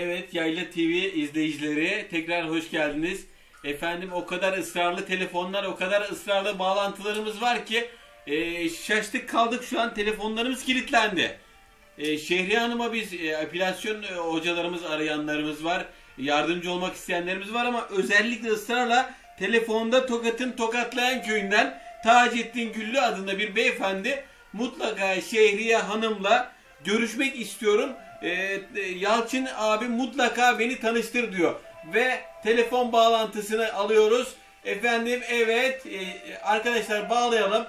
Evet, Yayla TV izleyicileri tekrar hoş geldiniz. Efendim o kadar ısrarlı telefonlar, o kadar ısrarlı bağlantılarımız var ki şaştık kaldık, şu an telefonlarımız kilitlendi. Şehriye Hanım'a biz epilasyon hocalarımız, arayanlarımız var. Yardımcı olmak isteyenlerimiz var ama özellikle ısrarla telefonda Tokat'ın Tokatlayan köyünden Taceddin Güllü adında bir beyefendi mutlaka Şehriye Hanım'la görüşmek istiyorum. Yalçın abi mutlaka beni tanıştır diyor. Ve telefon bağlantısını alıyoruz. Efendim evet arkadaşlar bağlayalım.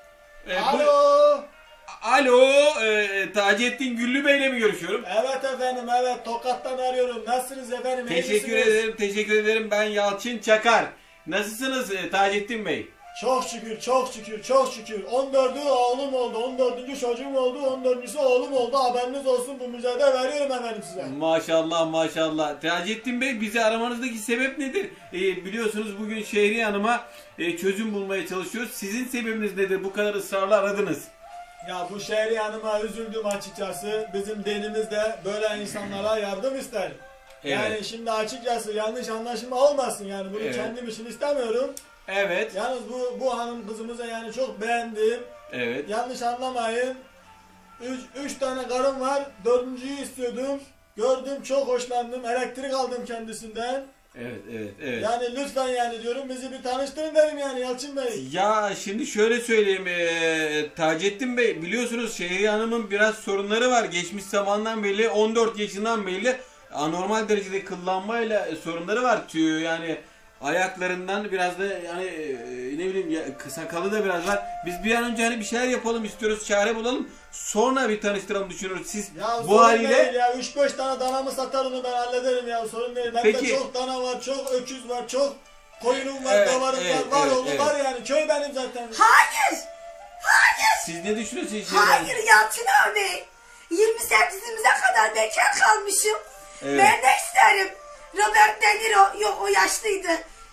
Alo. Alo Taceddin Güllü Bey'le mi görüşüyorum? Evet efendim, evet, Tokat'tan arıyorum. Nasılsınız efendim? Teşekkür ederim, teşekkür ederim. Ben Yalçın Çakar. Nasılsınız Taceddin Bey? Çok şükür, çok şükür, çok şükür. 14'ü oğlum oldu, 14. çocuğum oldu, 14.'sü oğlum oldu. Haberiniz olsun, bu müjde veriyorum efendim size. Maşallah maşallah. Taceddin Bey, bizi aramanızdaki sebep nedir? Biliyorsunuz bugün Şehriye Hanım'a çözüm bulmaya çalışıyoruz. Sizin sebebiniz nedir? Bu kadar ısrarla aradınız. Ya bu Şehriye Hanım'a üzüldüm açıkçası. Bizim dinimiz de böyle insanlara yardım ister. Evet. Yani şimdi açıkçası yanlış anlaşılma olmasın, yani bunu Evet. kendim için istemiyorum. Evet. Yalnız bu hanım kızımıza yani çok beğendim. Evet. Yanlış anlamayın. Üç tane karım var. Dördüncüyü istiyordum. Gördüm, çok hoşlandım. Elektrik aldım kendisinden. Evet, evet, evet. Yani lütfen yani diyorum, bizi bir tanıştırın derim yani Yalçın Bey. Ya şimdi şöyle söyleyeyim Taceddin Bey, biliyorsunuz Şehriye Hanım'ın biraz sorunları var. Geçmiş zamandan beri, 14 yaşından beri anormal derecede kıllanmayla sorunları var. Yani ayaklarından biraz da yani ne bileyim ya, sakalı da biraz var. Biz bir an önce hani bir şeyler yapalım istiyoruz, çare bulalım. Sonra bir tanıştıralım düşünüyoruz. Siz Ya bu haliyle değil ya, 3-5 tane danamı satar, onu ben hallederim ya, sorun değil. Bende Peki. çok dana var, çok öküz var, çok koyunum var, Evet, davarım evet, var, evet, oğlum evet. var yani. Köy benim zaten. Hayır. siz ne düşünüyorsunuz Şehriye Hanım? Hayır Yalçın abi. 28'imize kadar bekar kalmışım. Evet. Ben ne isterim? Robert De Niro, yok o yaşlıydı.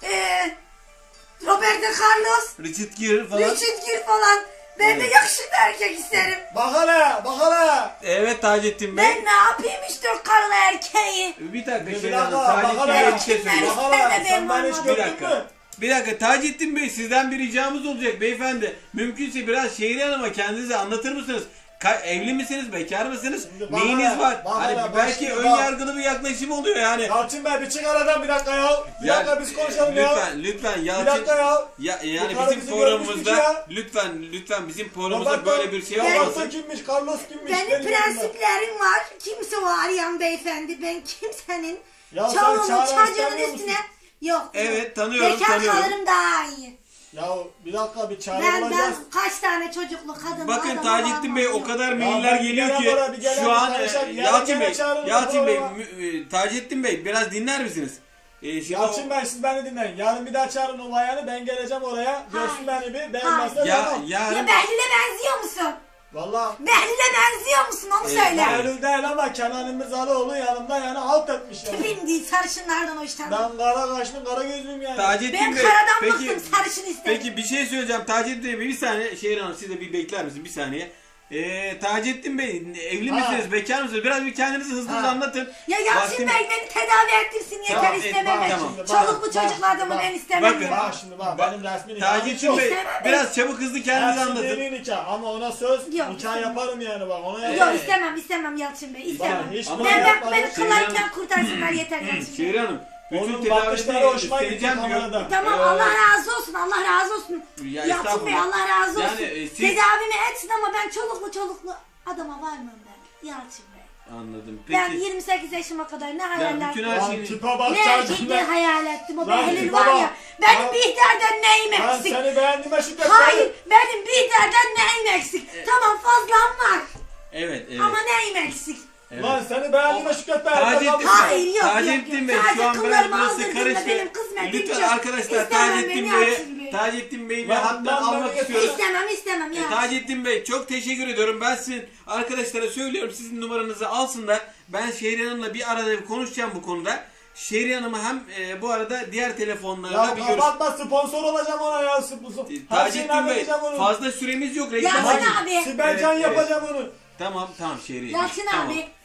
Roberto Carlos, Richard Gere falan. Richard Gere falan. Ben de Evet. yakışıklı erkek isterim. Bak hele, bak hele. Evet Taceddin Bey. Ben ne yapayım işte o karılı erkeği. Bir dakika Bir Şehriye Hanım, dakika, Taceddin bakalım. Bey'e bir şey söyleyeyim. Bak hele, sen Ben beni hiç olmam. Bir gördün dakika. mü? Bir dakika Taceddin Bey, sizden bir ricamız olacak beyefendi. Mümkünse biraz Şehriye Hanım'a kendinizi anlatır mısınız? Evli misiniz? Bekar mısınız? Şimdi bana Neyiniz ne? var? Bana Hani ne? Bak belki şimdi ön bak. yargılı bir yaklaşım oluyor yani. Yalçın Bey bir çık aradan, bir dakika ya. Bir Ya, dakika biz konuşalım ya. Lütfen Bir Yalçın. dakika ya. Yani Bu karı bizim bizi programımızda görmüştük ya. lütfen bizim programımızda Roberto- böyle bir şey Ben- olmasın. Roberto kimmiş, Carlos kimmiş? Benim yanımda. prensiplerim var. Kimse o arayan beyefendi. Ben kimsenin Ya sen çoluğunun çare çocuğunun istemiyor üstüne... musun? Yok. Evet, tanıyorum, Bekar tanıyorum. kalırım daha iyi. Ya bir dakika, bir çare Ben bulacağız. kaç tane çocuklu kadın Bakın adamı Taceddin var Bey, mı? o kadar Ya mailler ben geliyor bir ki gelen bir gelen şu an tanışalım. Yarın Yalçın gene Bey, çağırın Yalçın Bey, programa. Taceddin Bey biraz dinler misiniz? Şimdi Yalçın Bey, siz beni dinleyin. Yarın bir daha çağırın o bayanı, ben geleceğim oraya. Görsün beni bir. Beğenmezse ya tamam. Ya yarın Behlül'e benziyor musun? Valla. Behlül'e benziyor musun onu söyle. Behlül değil ama Kenan İmirzalıoğlu yanımda yani halt etmiş yani. Tipim değil, sarışınlardan hoşlanmam. Ben kara kaşlım, kara gözlüyüm yani. Taceddin Ben Bey, karadan peki, bıktım, sarışın istedim. peki bir şey söyleyeceğim Taceddin Bey, bir saniye. Şehriye Hanım, siz de bir bekler misiniz bir saniye? Taceddin Bey, evli misiniz, bekar mısınız? Biraz bir kendinizi hızlı Ha. anlatın. Ya Yalçın Vaktim- Bey beni tedavi ettirsin yeter, Tamam, istemem. tamam. Çoluklu Bak, çocuklu bak, adamı bak. ben istemem. Bakın. ya. Bak şimdi bak, benim resmi nikahım Taceddin yok. Bey, İstemem. biraz çabuk hızlı kendinizi Hepsi anlatın. dini nikah ama ona söz, Yok, nikah istemem. yaparım yani bak, ona Yok yaparım. istemem Yalçın Bey, istemem. Bak, hiç Ama- bunu Ben yapmadım. beni Şehriye Hanım- kılarken kurtarsınlar yeter Yalçın Bey. Şehriye Hanım, bütün Onun bakışları hoşuma gitti isteyeceğim diyor. kamerada. Tamam, Allah razı olsun, Allah razı olsun. Ya Yalçın Bey, estağfurullah. Allah razı olsun. Yani, siz- Tedavimi etsin ama ben çoluklu adama varmam ben Yalçın Bey. Anladım. Ben Peki. 28 yaşıma kadar ne Ya hayaller bütün kurdum. her Lan şeyini... tipe bak Ne çarşın erkekleri hayal ettim, o Lan Behlül tipe var bak. ya. Benim Lan- Bihter'den neyim Ben eksik? seni beğendiğime şükret. Hayır, benim Bihter'den neyim eksik? Tamam, fazlam var Evet, evet. ama neyim eksik? evet. Lan seni beğendiğime şükret be. Taceddin Hayır, yok, Taceddin yok, Bey, yok. şu an Sadece biraz kıllarımı burası aldırdığında karıştı. benim kısmetim Lütfen çok. arkadaşlar İstemem Taceddin beni Bey'i Yalçın Bey. Taceddin Bey'i bir Lan hattan ben almak beni istiyoruz. İstemem Yalçın. Taceddin Bey, çok teşekkür ediyorum. Ben sizin arkadaşlara söylüyorum, sizin numaranızı alsınlar. Ben Şehriye Hanım'la bir arada bir konuşacağım bu konuda. Şehriye Hanım'a hem bu arada diğer telefonlarla Ya bir görüş... kapatma, sponsor olacağım ona ya. Her şeyini Taceddin Bey, halledeceğim onu. fazla süremiz yok. Reklam Yalçın açın. abi. Sibel Can Evet, yapacağım onu. Tamam Şehriye. Yalçın Tamam. abi,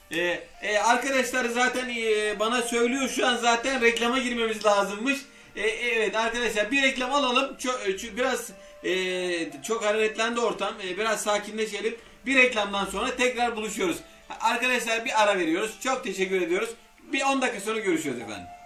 Arkadaşlar zaten bana söylüyor şu an zaten reklama girmemiz lazımmış. Evet arkadaşlar bir reklam alalım. Biraz çok hareketlendi ortam. Biraz sakinleşelim. Bir reklamdan sonra tekrar buluşuyoruz. Arkadaşlar bir ara veriyoruz. Çok teşekkür ediyoruz. Bir 10 dakika sonra görüşürüz efendim.